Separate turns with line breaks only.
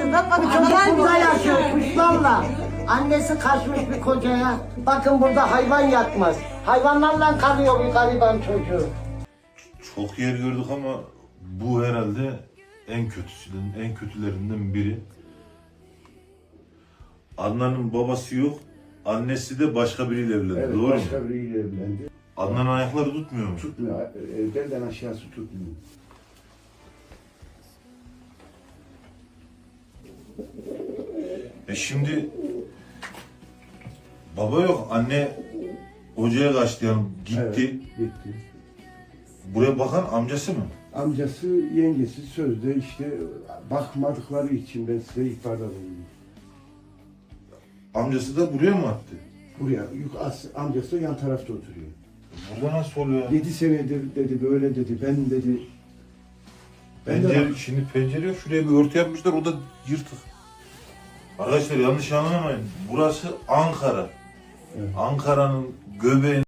Haydi bak
Bu çocuk burada yaşıyor kuşlarla. Annesi kaçmış bir kocaya. Bakın burada hayvan yatmaz. Hayvanlarla kalıyor bir gariban çocuğu.
Çok yer gördük ama bu herhalde en kötülerinden biri. Adnan'ın babası yok, annesi de başka biriyle evlendi.
Evet,
Doğru mu?
başka biriyle evlendi.
Adnan'ın ayakları tutmuyor mu?
Tutmuyor, belden aşağısı tutmuyor.
Şimdi baba yok, anne hocaya kaçtı yani gitti.
Evet, gitti.
Buraya bakan amcası mı?
Amcası, yengesi sözde işte bakmadıkları için ben size ihbarda bulundum.
Amcası da buraya mı attı?
Buraya, amcası yan tarafta oturuyor.
Burada nasıl oluyor?
7 senedir dedi, böyle dedi, ben dedi. Ben de
Pencere, şimdi pencere yok, şuraya bir örtü yapmışlar, o da yırtık. Arkadaşlar yanlış anlamayın, burası Ankara.
Evet.
Ankara'nın göbeği.